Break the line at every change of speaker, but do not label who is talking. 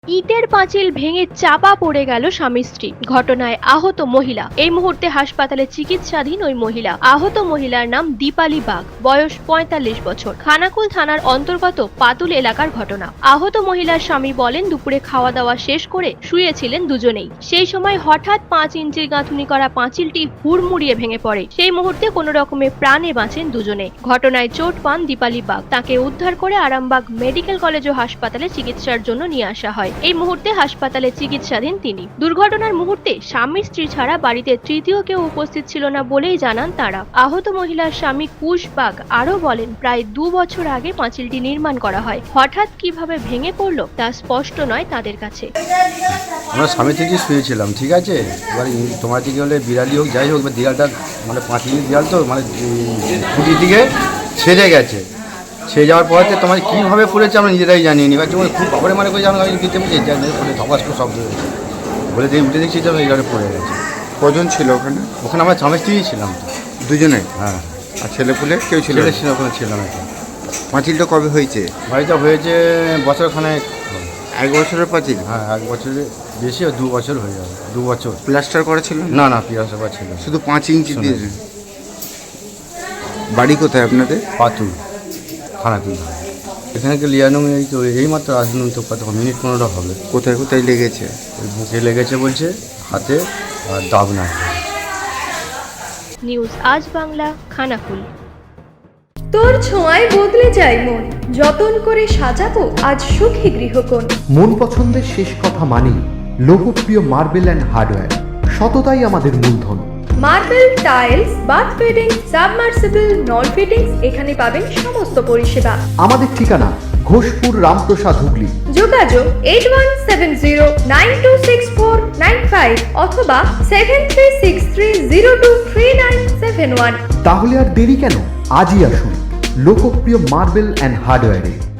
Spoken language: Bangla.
ইটের পাঁচিল ভেঙে চাপা পড়ে গেল স্বামী স্ত্রী, ঘটনায় আহত মহিলা। এই মুহূর্তে হাসপাতালে চিকিৎসাধীন ওই মহিলা। আহত মহিলার নাম দীপালি বাগ, বয়স ৪৫ বছর। খানাকুল থানার অন্তর্গত পাতুল এলাকার ঘটনা। আহত মহিলার স্বামী বলেন, দুপুরে খাওয়া দাওয়া শেষ করে শুয়েছিলেন দুজনেই। সেই সময় হঠাৎ ৫ ইঞ্চির গাঁথুনি করা পাঁচিলটি হুড়মুড়িয়ে ভেঙে পড়ে। সেই মুহূর্তে কোনো রকমে প্রাণে বাঁচেন দুজনে। ঘটনায় চোট পান দীপালি বাগ। তাকে উদ্ধার করে আরামবাগ মেডিকেল কলেজ ও হাসপাতালে চিকিৎসার জন্য নিয়ে আসা হয়। এই মুহূর্তে হাসপাতালে চিকিৎসাধীন তিনি। দুর্ঘটনার মুহূর্তে স্বামী স্ত্রী ছাড়া বাড়িতে তৃতীয় কেউ উপস্থিত ছিল না বলেই জানান তারা। আহত মহিলার স্বামী কুশ বাগ আরো বলেন, প্রায় ২ বছর আগে পাঁচিলটি নির্মাণ করা হয়। হঠাৎ কিভাবে ভেঙে পড়লো তা স্পষ্ট নয় তাদের কাছে।
আমরা স্বামী থেকে শুয়েছিলাম, ঠিক আছে। এবার তোমার দিকে হলে বিড়ালি হোক যাই হোক, দেয়ালটা মানে পাঁচিলের দেয়াল তো মানে খুঁটির দিকে ছেড়ে গেছে। সে যাওয়ার পরে তোমার কীভাবে পড়েছে আমরা নিজেরাই জানিয়ে নি। যখন খুব খবরে মানে করে আমি দিতে পড়ে ধপাস করে শব্দ হয়েছে বলে দিয়ে উঠে দেখছি যে এইভাবে পড়ে গেছে।
কজন ছিল ওখানে?
ওখানে আমরা স্বামী স্ত্রী ছিলাম তো,
দুজনে।
হ্যাঁ।
আর ছেলেপুলে কেউ ছিল?
ছিল, ওখানে ছিলাম একটা।
পাঁচিলটা কবে হয়েছে?
বাড়িটা হয়েছে বছরখানেক।
1 বছরের পাঁচিল?
হ্যাঁ, 1 বছরের বেশি, 2 বছর হয়ে যাবে। 2 বছর।
প্লাস্টার করা ছিল?
না না, প্লাস্টার করা ছিল,
শুধু 5 ইঞ্চি দিয়ে। বাড়ি কোথায় আপনাদের?
পাতুল, খানাকুল। এখানে কি লিয়ানো এই তো এইমাত্র আসুন তো, কত মিনিট 15 হবে।
কোথায় কোথায় লেগেছে?
বুকে লেগেছে বলছে, হাতে আর দাগ নাই।
নিউজ আজ বাংলা, খানাকুল।
তোর ছোঁয়ায় বদলে যায় মন, যতন করে সাজাবো আজ সুখী গৃহকোণ।
মন পছন্দের শেষ কথা মানি লোকপ্রিয় মার্বেল অ্যান্ড হার্ডওয়্যার, সততাই আমাদের মূলধন।
Marble, tiles, bath fitting, submersible, নল ফিটিংস, এখানে পাবেন সমস্ত পরিষেবা।
আমাদের ঠিকানা ঘোষপুর, রামপ্রসাদ, হুগলি।
যোগাযোগ 8170926495 অথবা 7363023971।
তাহলে আর দেরি কেন, আজই আসুন লোকপ্রিয় মার্বেল অ্যান্ড হার্ডওয়্যারে।